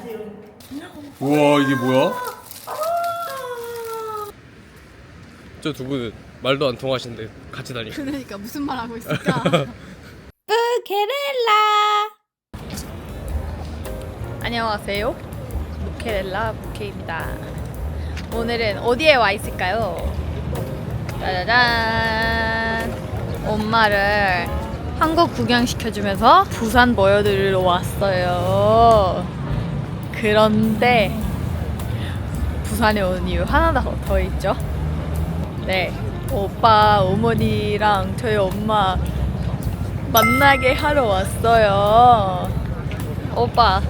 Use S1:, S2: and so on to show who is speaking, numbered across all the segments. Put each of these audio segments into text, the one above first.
S1: 우와 이게 뭐야? 저 두 분은 말도 안 통하시는데 같이 다니.
S2: 그러니까 무슨 말 하고 있을까?
S3: 부케렐라.
S2: 안녕하세요. 부케렐라 부케입니다. 오늘은 어디에 와 있을까요? 짜자잔. 엄마를 한국 구경시켜주면서 부산 보여드리러 왔어요. 그런데 부산에 온 이유 하나 더 있죠. 네, 오빠, 어머니랑 저희 엄마 만나게 하러 왔어요. 오빠,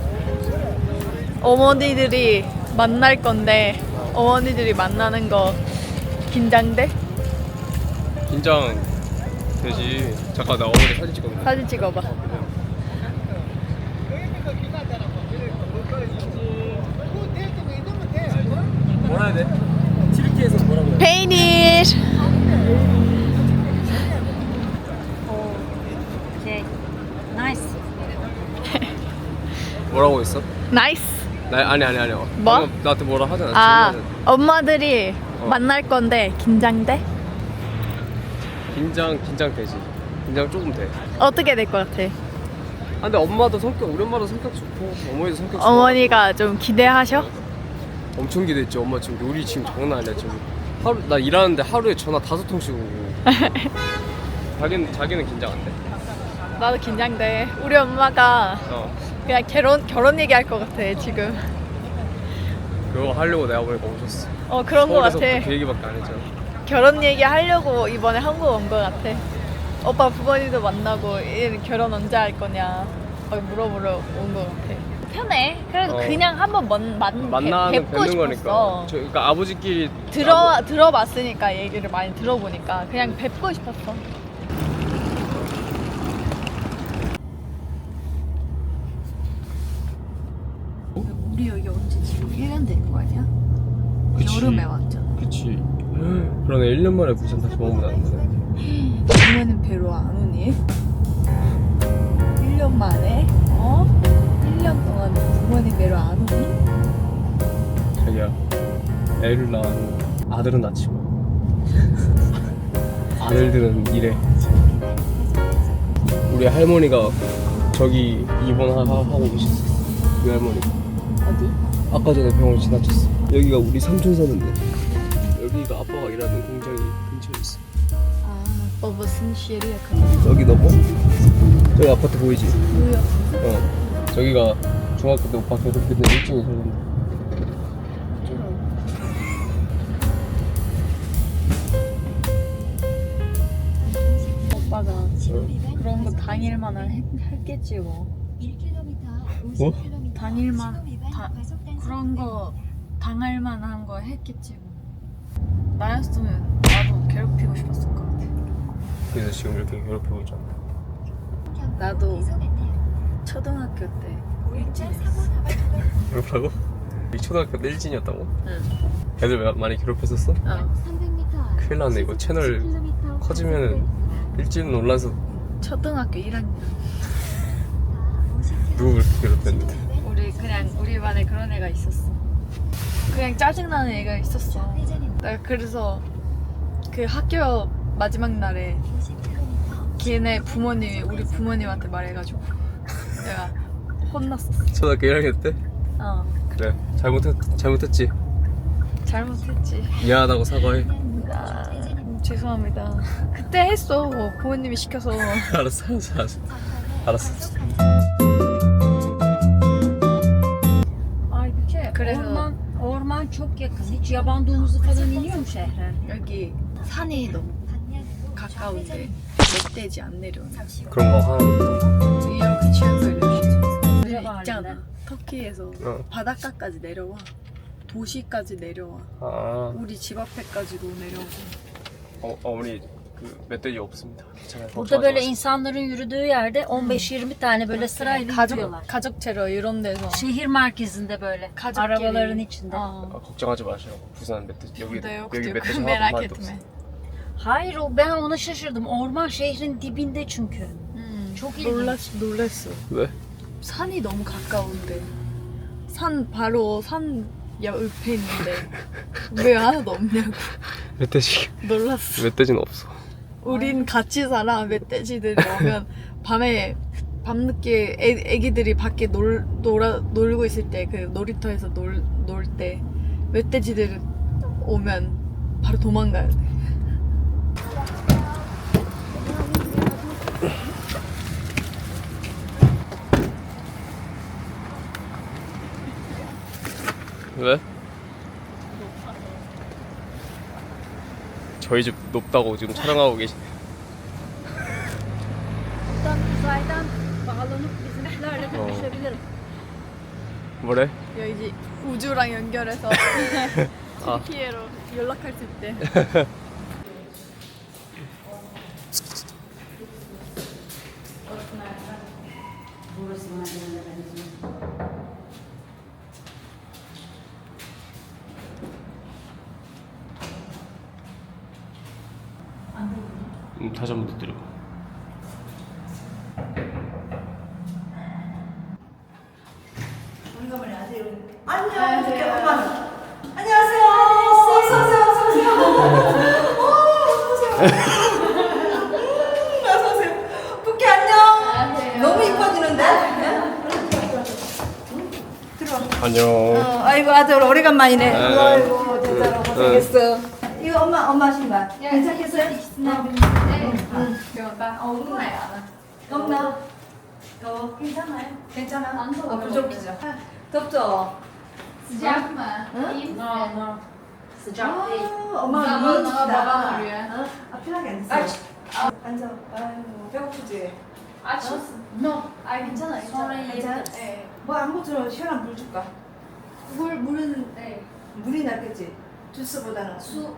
S2: 어머니들이 만날 건데 어머니들이 만나는 거 긴장돼?
S1: 긴장 되지. 잠깐 나 어머니 사진 찍었는데.
S2: 사진 찍어봐.
S1: 뭐라 해야 돼? 튀르키에서 뭐라고 해야 돼?
S2: 페이닛.
S3: 오케이. 나이스.
S1: 뭐라고 했어?
S2: 나이스.
S1: 아니
S2: 뭐?
S1: 방금 나한테 뭐라 하잖아.
S2: 아,
S1: 질문은.
S2: 엄마들이 만날 건데 긴장돼?
S1: 긴장 되지. 긴장 조금 돼.
S2: 어떻게 될 것 같아?
S1: 아, 근데 엄마도 성격, 우리 엄마도 성격 좋고 어머니도 성격 좋고.
S2: 어머니가 좀 기대하셔?
S1: 엄청 기대했지. 엄마 지금 요리 지금 장난 아니야. 지금 나 일하는데 하루에 전화 5통씩 오고. 자기는 긴장 안 돼.
S2: 나도 긴장돼. 우리 엄마가 그냥 결혼 얘기할 것 같아 지금.
S1: 그거 하려고 내가 보니까 오셨어.
S2: 그런 것 같아.
S1: 서울에서부터 그 얘기밖에 안 했잖아.
S2: 결혼 얘기 하려고 이번에 한국 온 것 같아. 오빠 부모님도 만나고 얘 결혼 언제 할 거냐 막 물어보러 온 것 같아. 편해. 그래도 그냥 한번 뵙고
S1: 뵙는
S2: 싶었어.
S1: 거니까. 그러니까 아버지끼리
S2: 들어봤으니까 얘기를 많이 들어보니까 그냥 뵙고 싶었어. 우리 여기 언제 지금 1년 된 거 아니야?
S1: 그치.
S2: 여름에 왔잖아.
S1: 그치. 그러네. 1년 만에 부산 다시 방문하는 거네.
S2: 부모님 뵈러 안 오니? 1년 만에? 1년 동안 부모님 뵈러 안 오니?
S1: 자기야, 애를 낳은 아들은 낳지만 아들들은 이래. 우리 할머니가 저기 입원하고 계셨어. 우리 할머니가
S2: 어디?
S1: 아까 전에 병원 지나쳤어. 여기가 우리 삼촌 사는데, 여기가 아빠가 일하는 공장이 근처에 있어.
S2: 아, 무슨 시리야?
S1: 여기 넘어? 저기 아파트 보이지?
S2: 뭐야?
S1: 저기가 중학교 때 오빠 괴롭히던 1층에 살던데.
S2: 오빠가 그런 거 당일만 했겠지 뭐.
S1: 뭐?
S2: 당일만 그런 거 당할 만한 거 했겠지 뭐. 나였으면 나도 괴롭히고 싶었을 것 같아.
S1: 그래서 지금 이렇게 괴롭히고 있잖아.
S2: 나도 초등학교 때 일진이었어.
S1: 괴롭하고? 이 초등학교 때 일진이었다고?
S2: 응.
S1: 애들 많이 괴롭혔었어? 큰일 났네. 이거 채널 커지면은 일진 논란서.
S2: 초등학교 1학년.
S1: 누구 그렇게 괴롭혔는데?
S2: 우리 반에 그런 애가 있었어. 그냥 짜증나는 애가 있었어. 나 그래서 그 학교 마지막 날에 걔네 부모님이 우리 부모님한테 말해가지고 내가 혼났었어.
S1: 초등학교 1학년 때? 그래. 잘못했지.
S2: 잘못했지.
S1: 미안하다고 사과해.
S2: 죄송합니다. 그때 했어. 부모님이 시켜서.
S1: 알았어.
S3: Aybüke,
S2: 그래서
S3: orman çok yakın. Hiç yaban domuzu falan iniyor mu şehre?
S2: 여기 산이 너무 가까운데 멧돼지 안 내려오냐.
S1: 그런 거 하나.
S2: 이렇게 취향을
S3: 그래,
S2: 있잖아. 터키에서 바닷가까지 내려와. 도시까지 내려와. 우리 집 앞에까지도 내려오고.
S1: 어머니 그 멧돼지 없습니다. 괜찮아요.
S3: Burada böyle insanların yürüdüğü yerde 15-20 tane böyle sırayla yürüyorlar.
S2: 가족체로 이런 데서.
S3: Şehir merkezinde böyle. Arabaların içinde.
S1: 걱정하지 마시라고. 부산 멧돼지 여기
S2: yok
S1: 여기
S2: diyor.
S1: 멧돼지
S2: Merak
S1: 하나도
S2: etme.
S1: 없어.
S3: Hayır ben ona şaşırdım. Orman şehrin dibinde çünkü. Çok ilginç.
S2: 놀랐어.
S1: 왜?
S2: 산이 너무 가까운데 산 바로 산 옆에 있는데 왜 하나도 없냐고
S1: 멧돼지
S2: 놀랐어.
S1: 멧돼지는 없어.
S2: 우린 같이 살아. 멧돼지들이 오면 밤에 밤늦게 애기들이 밖에 놀고 있을 때 그 놀이터에서 놀 때 멧돼지들 오면 바로 도망가야 돼.
S1: 왜? 저희 집 높다고 지금 촬영하고 계시. 뭐래?
S2: 여기 우주랑 연결해서
S1: 아.
S2: TPA로 연락할 수 있대.
S1: 다시 한번 두드려.
S4: 안녕하세요. 엄마. 안녕하세요. 어서오세요. 어서오세요. 어서오세요. 부캐 안녕. 너무 이뻐지는데? 들어와.
S1: 안녕.
S4: 아이고 아들 오래간만이네.
S1: 네.
S4: 아이고 대단하고 고생했어. 이거 엄마 신발. 괜찮겠어요? 없나? 더 괜찮아요? 괜찮아? 부족이죠. 덥죠?
S5: Sıcak mı? İyi misin?
S3: Sıcak değil.
S4: 엄마
S5: Baba,
S4: 너무
S5: baba
S4: 춥다.
S5: arıyor.
S4: 편하게 앉으세요. 앉아. 아이고 배고프지?
S5: Aç mısın? No. Ay 괜찮아.
S3: Sonra
S4: 괜찮아?
S3: yiyebiliriz.
S5: 네.
S4: 뭐 아무것도 시원한 물 줄까?
S5: 물은 네.
S4: 물이 낫겠지? 주스보다는 수.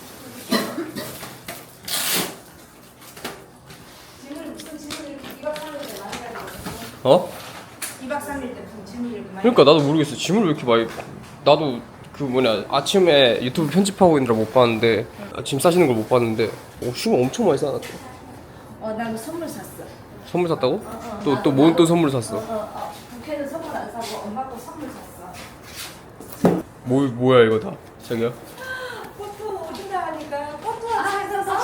S4: 짐을 무슨 짐을 이렇게 2박 3일 때 많이 가지고
S1: 어?
S4: 2박 3일 때 무슨 짐을 이렇게 많이
S1: 그러니까 나도 모르겠어. 짐을 왜 이렇게 많이. 나도 그 뭐냐 아침에 유튜브 편집하고 있느라 못 봤는데 짐 싸시는 걸 못 봤는데 짐을 엄청 많이 싸놨다.
S4: 나도 선물 샀어.
S1: 선물 샀다고? 또 뭔 또 선물 샀어?
S4: 부캐는 선물 안 사고 엄마 거 선물 샀어.
S1: 뭐야 이거 다? 자기야?
S4: 포토 오신다 하니까 포토 사서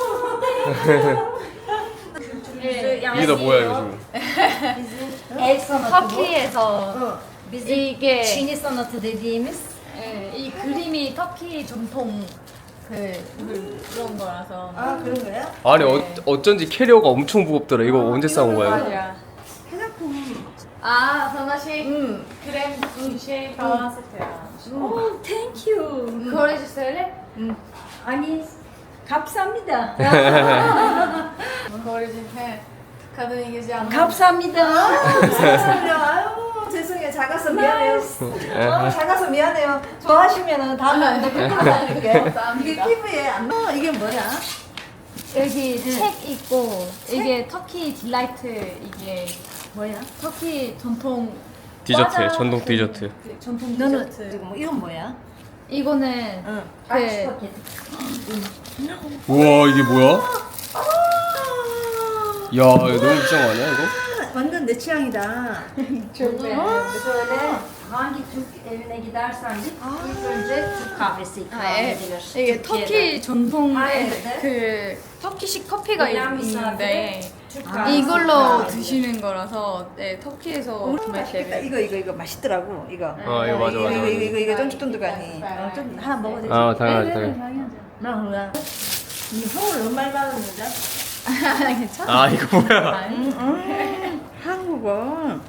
S1: 이게 다 뭐야 이거 지금?
S3: El sanatı bu.
S2: 터키에서
S3: Bizim
S2: 이게
S3: Çin'i sanatı dediğimiz
S2: 이 그림이 터키 전통 그런 거라서.
S4: 아 그런 거야?
S1: 아니 어쩐지 캐리어가 엄청 무겁더라. 이거 언제 싸운 거야?
S2: 맞아.
S4: 화장품.
S2: 아, 선아 씨
S4: 응.
S2: krem şey falan satıyor.
S3: Oh, thank you.
S2: Korece söyle.
S3: Hani 감사합니다.
S2: Korece he. Kadın İngilizce anlamıyor.
S3: 감사합니다.
S4: 죄송해요. 아유 죄송해요. 작아서 미안해요. 작아서 미안해요. 좋아하시면은 다음에 또 뵙고 다닐게. 이게 피부에 안. 이게 뭐야?
S2: 여기 책 있고 이게 터키 딜라이트 이게
S3: 뭐야?
S2: 터키 전통
S1: 디저트,
S2: 과자
S1: 전통
S2: 그-
S1: 디저트.
S2: 그 전통
S4: 너는
S2: 디저트.
S4: 지금 뭐 이건 뭐야?
S2: 이거는
S4: 응.
S3: Aç
S2: 그
S3: paket.
S1: 우와 이게 뭐야?
S4: 아,
S1: 야 이거 너무 비싼 거 아니야 이거?
S4: 완전 내 취향이다.
S2: çok beğendim.
S3: Şöyle hangi Türk evine gidersen git ilk önce Türk kahvesi ikram edilir.
S2: 이게
S3: Türkiye'de.
S2: 터키 전통의
S3: 아예
S2: 그 터키식 커피가
S3: Gelen
S2: 있는데
S3: misafire Türk kahvesi
S2: 이걸로
S3: ikram edilir.
S2: 드시는 거라서 네, 터키에서 정말
S4: 맛있겠다.
S2: 재밌어요.
S4: 이거 맛있더라고. 이거.
S1: 아 이거 맞아 맞아.
S4: 이거 쫀득쫀득하니. 좀 하나 먹어도 되지?
S1: 아 당연하지 당연히.
S4: 나 뭐야? 이 서울 너무 많이 받았는데?
S2: 괜찮아?
S1: 아 이거 뭐야?
S4: 한국어.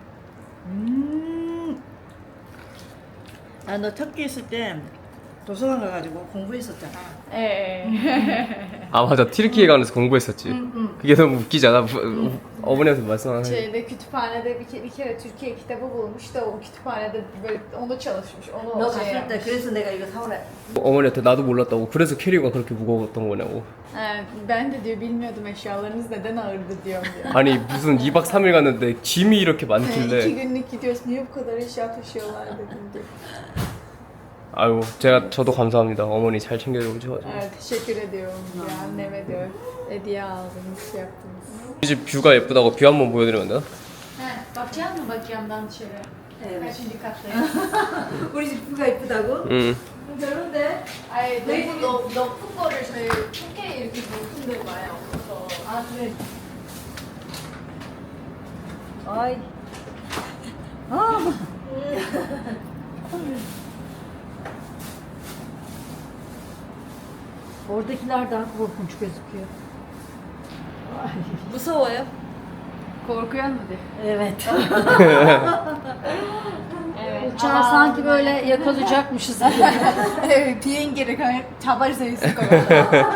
S4: 너 터키 있을 때 도서관 가가지고 공부했었잖아.
S2: 예.
S1: 아 맞아 티르키예 가면서 공부했었지. 그게 너무 웃기지 않아? 어머니한테 말씀하는.
S2: Şeyde kütüphanede bir kere Türkiye kitabı bulmuş da o kütüphanede böyle onu çalışmış. Onu
S4: 너
S2: şey
S4: 갔을 때 그래서 내가 이거 사오래.
S1: 어머니한테 나도 몰랐다고. 그래서 캐리어가 그렇게 무거웠던 거냐고.
S2: Ben de diyor bilmiyordum eşyalarınız neden ağırdı diyorum diyor.
S1: 아니 무슨 2박 3일 갔는데 짐이 이렇게
S2: 2
S1: 많길래.
S2: günlük gidiyoruz niye bu kadar eşya taşıyorlar dedim diyor.
S1: 아유 저도 감사합니다. 어머니 잘 챙겨주셔가지고.
S2: Evet teşekkür ediyorum diyor anneme diyor. Hediye aldınız şey yaptınız.
S1: 우리 집 뷰가 예쁘다고 뷰 한번 보여드리면 안 되나?
S2: He bakacak mı bak camdan dışarı?
S4: Evet. 우리 집 뷰가 이쁘다고?
S1: 응.
S4: 별론데?
S2: 아니 높은 거를 저희 4K 이렇게 높은 데 많이 없어서.
S4: 아 그래. Ay. Oradakiler daha korkunç gözüküyor.
S2: 무서워요? Korkuyor mu de?
S4: Evet.
S3: Uçağı sanki böyle yakalayacakmışız gibi.
S2: 네, 비행기를 잡을 수 있을 것 같아요.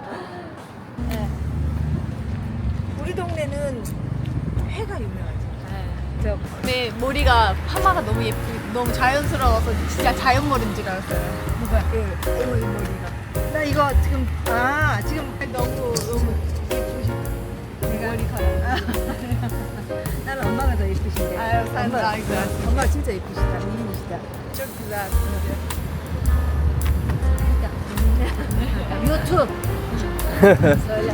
S4: 우리 동네는 회가 유명하죠.
S2: 네, 머리가 파마가 너무 예쁘고 너무 자연스러워서 진짜 자연머리인 줄 알았어요.
S4: 누가? 이 머리가. 나 이거 지금 지금
S2: 너무
S4: 예쁘시. 내가 머리카락. 나는 엄마가 더 예쁘신데.
S2: 아유, 감사합니다.
S4: 엄마 진짜 예쁘시다. 미인이시다.
S2: çok güzel.
S3: YouTube. Söyle.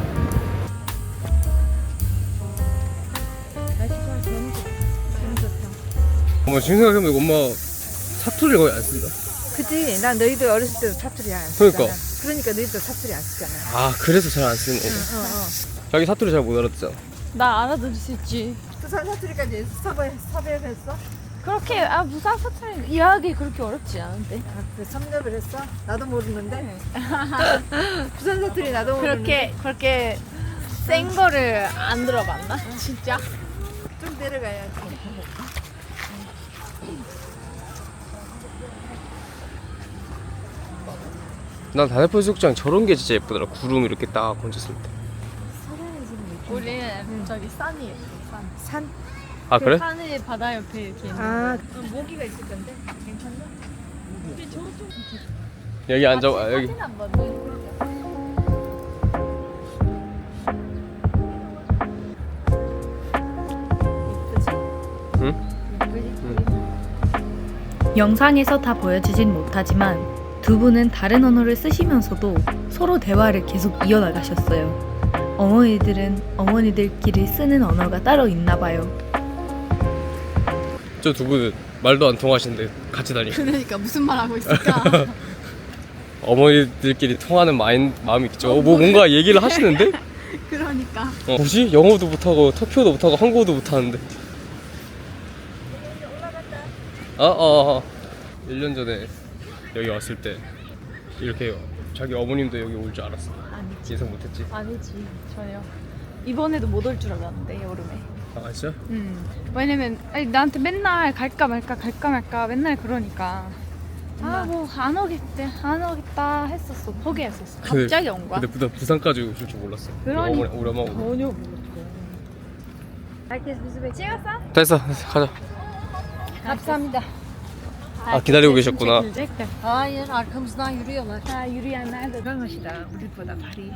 S4: 날씨가 너무 좋다.
S1: 엄마 지금 생각해보면 엄마 사투리를 거의 안 쓴다.
S4: 그치? 난 너희들 어렸을 때도 사투리 안 쓰잖아.
S1: 그러니까.
S4: 그러니까 너희들 사투리 안 쓰잖아.
S1: 아 그래서 잘 안 쓰는 거네. 자기 사투리 잘 못 알아듣잖아.
S2: 나 알아들을 수 있지.
S4: 부산 사투리까지 섭외했어?
S2: 그렇게 부산 사투리 이해하기 그렇게 어렵지 않은데.
S4: 아, 그래 섭렵을 했어? 나도 모르는데. 부산 사투리 나도 모르는데.
S2: 그렇게 센 거를 안 들어봤나? 진짜?
S4: 좀 내려가야지.
S1: 난 다대포 해수욕장 저런 게 진짜 예쁘더라. 구름 이렇게 딱 얹었을 때.
S2: 우리는 저기 산이 예뻐.
S4: 산?
S1: 아 그래?
S2: 산이 바다 옆에 이렇게 있는.
S4: 아, 모기가 있을 건데. 괜찮나?
S1: 여기 앉아. 여기.
S2: 사진 한번 보여줄까?
S1: 응?
S6: 영상에서 다 보여주진 못하지만 두 분은 다른 언어를 쓰시면서도 서로 대화를 계속 이어나가셨어요. 어머니들은 어머니들끼리 쓰는 언어가 따로 있나 봐요.
S1: 저 두 분은 말도 안 통하시는데 같이 다니.
S2: 그러니까 무슨 말 하고 있을까?
S1: 어머니들끼리 통하는 마음이 있죠. 뭐 뭔가 얘기를 하시는데?
S2: 그러니까.
S1: 뭐지? 영어도 못하고 터키어도 못하고 한국어도 못하는데. 1년 전에 여기 왔을 때 이렇게 자기 어머님도 여기 올 줄 알았어.
S2: 아니지.
S1: 예상 못했지.
S2: 아니지 전혀. 이번에도 못 올 줄 알았는데 여름에.
S1: 아 진짜?
S5: 왜냐면 아니, 나한테 맨날 갈까 말까 맨날 그러니까 뭐 안 오겠다 했었어. 포기했었어. 갑자기 온 거야.
S1: 근데 부산까지 오실 줄 몰랐어.
S5: 그러니까.
S1: 우리 엄마 오늘.
S2: 전혀 몰랐어.
S3: Herkes bizi bekliyor.
S5: 찍었어?
S1: 됐어 가자.
S3: Kapsamda.
S1: 아 기다리고 계셨구나.
S5: çekilecek de.
S3: Hayır, arkamızdan yürüyorlar.
S5: Ha yürüyenler de.
S4: 건강하시다. 우리보다 발이.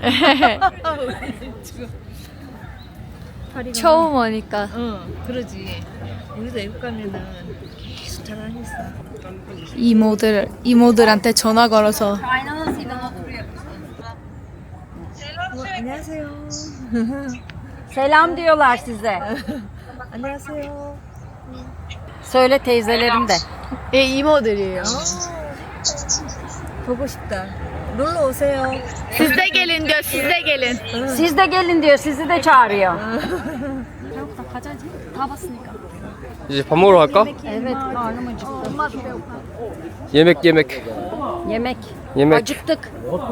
S2: 처음 오니까.
S4: 그러지. 우리도 외국 가면은 계속 자랑했어.
S2: 이모들한테 전화 걸어서
S3: Kaynanasıyla oturuyor.
S4: 안녕하세요.
S3: Selam diyorlar size.
S4: 안녕하세요.
S3: Söyle teyzelerim de.
S2: 이모들이에요.
S4: 보고 싶다. 놀러 오세요.
S2: Siz de gelin diyor. Siz de gelin.
S3: Siz de gelin diyor, sizi de çağırıyor.
S5: 배고프다 가자지. 다 봤으니까.
S1: 이제 밥 먹으러 갈까?
S3: Evet, karnım acıktı.
S1: 예맥.
S3: Yemek. Acıktık.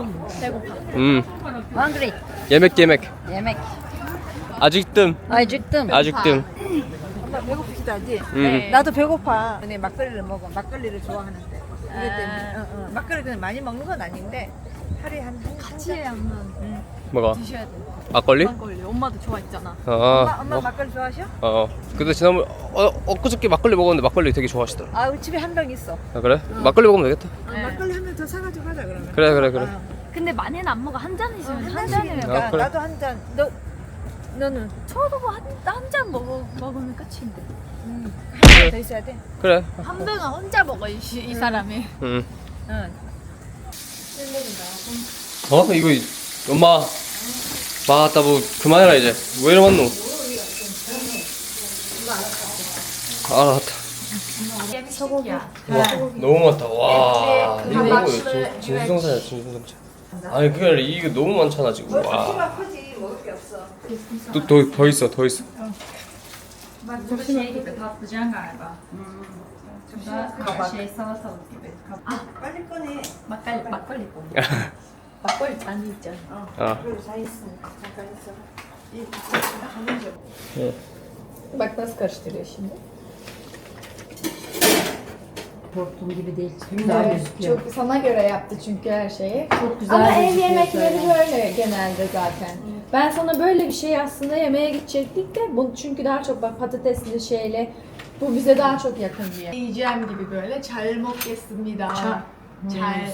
S3: Hungry.
S1: 예맥.
S3: Yemek.
S1: 아직뜸.
S3: Acıktım.
S1: 아직뜸.
S4: 엄마 배고프시다 하지?
S1: 응.
S4: 나도 배고파. 근데 막걸리를 먹어. 막걸리를 좋아하는데. 이것 때문에. 막걸리 그냥 많이 먹는 건 아닌데 하루에 한
S2: 같이 하면
S1: 뭐가?
S2: 드셔야 돼.
S1: 막걸리?
S2: 막걸리. 엄마도 좋아했잖아.
S4: 엄마 막걸리 좋아하셔?
S1: 근데 지난번 엊그저께 막걸리 먹었는데 막걸리 되게 좋아하시더라.
S4: 아, 우리 집에 한 병 있어.
S1: 아 그래? 막걸리 먹으면 되겠다.
S4: 막걸리 한 병 더 사가지고 가자 그러면.
S1: 그래.
S2: 근데 많이는 안 먹어. 한 잔이시면
S4: 한
S2: 한
S4: 잔이니까
S2: 잔이면.
S1: 아, 그래?
S4: 나도 한 잔. 너는
S2: 저도 한 잔 먹으면 끝인데.
S4: 한 잔 더 있어야 돼.
S1: 그래.
S2: 한 병은 혼자 먹어 이 사람이.
S1: 응.
S4: 응.
S1: 이거 엄마. 맞다 뭐 그만해라 이제. 왜 이러겠노? 아 나왔다.
S3: 소고기야.
S1: 너무 많다. 와. 이거 진수성찬이야 진수성찬. 아니 그게 아니라 이게 너무 많잖아 지금. 와.
S4: 키가 크지 먹을 게 없어.
S1: 더 있어 더 있어.
S3: Şey gibi patlıcan galiba. Şey salatalık gibi.
S4: 빨리 꺼내.
S3: Makali bu.
S2: 막걸리 잔이 있잖아.
S1: 아.
S4: 그리고 다 있어. 잠깐 있어. 이 가면 좀.
S2: Bak nasıl karıştırıyor şimdi.
S3: Korktuğum gibi değil. Güzel gözüküyor.
S2: Çok sana göre yaptı çünkü her şeyi.
S3: Çok güzel
S2: Ama ev
S3: gözüküyor
S2: yemekleri
S3: şöyle.
S2: böyle genelde zaten. Ben sana böyle bir şey aslında yemeğe gidecektik de bu çünkü daha çok bak patatesli şeyle bu bize daha çok yakın diye. Yiyeceğim gibi böyle 잘 먹겠습니다. 잘.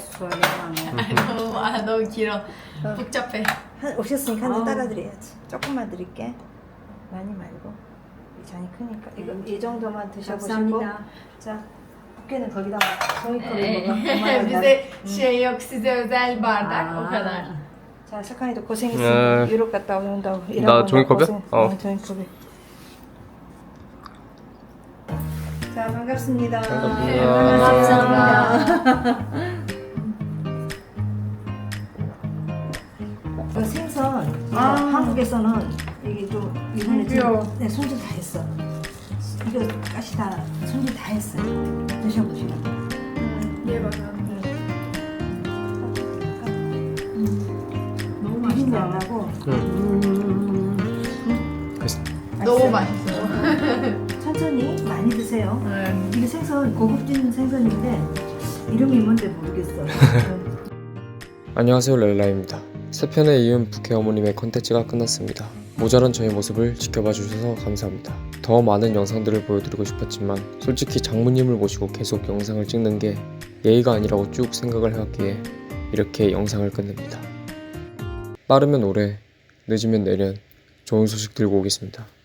S2: 너무 길어. 복잡해.
S4: 한 오셨으니까 한 잔 따라 드려야지. 조금만 드릴게. 많이 말고. 이 잔이 크니까 이거 이 정도만 드셔보시고.
S3: 감사합니다.
S4: 자, 부케는 거기다 종이컵에 먹어. 그만한
S2: Bize şey yok size özel bardak o kadar.
S4: 자, 석한이도 고생했으니까 유럽 갔다 온다고.
S1: 나 종이컵이야? 어.
S4: 종이컵에. 자, 반갑습니다. 그 생선 이거 한국에서는 이게 좀 이번에 좀 네, 손질 다 했어. 이거 가시 다 손질 다 했어. 드셔보시고.
S2: Ye bakalım.
S3: 너무 맛있다.
S4: 양하고
S2: 너무 맛있어요.
S4: 천천히 많이 드세요. 이게 생선 고급진 생선인데 이름이 뭔지 모르겠어.
S1: 안녕하세요 렐라입니다. 세 편에 이은 부캐 어머님의 컨텐츠가 끝났습니다. 모자란 저의 모습을 지켜봐 주셔서 감사합니다. 더 많은 영상들을 보여드리고 싶었지만 솔직히 장모님을 모시고 계속 영상을 찍는 게 예의가 아니라고 쭉 생각을 해왔기에 이렇게 영상을 끝냅니다. 빠르면 올해, 늦으면 내년 좋은 소식 들고 오겠습니다.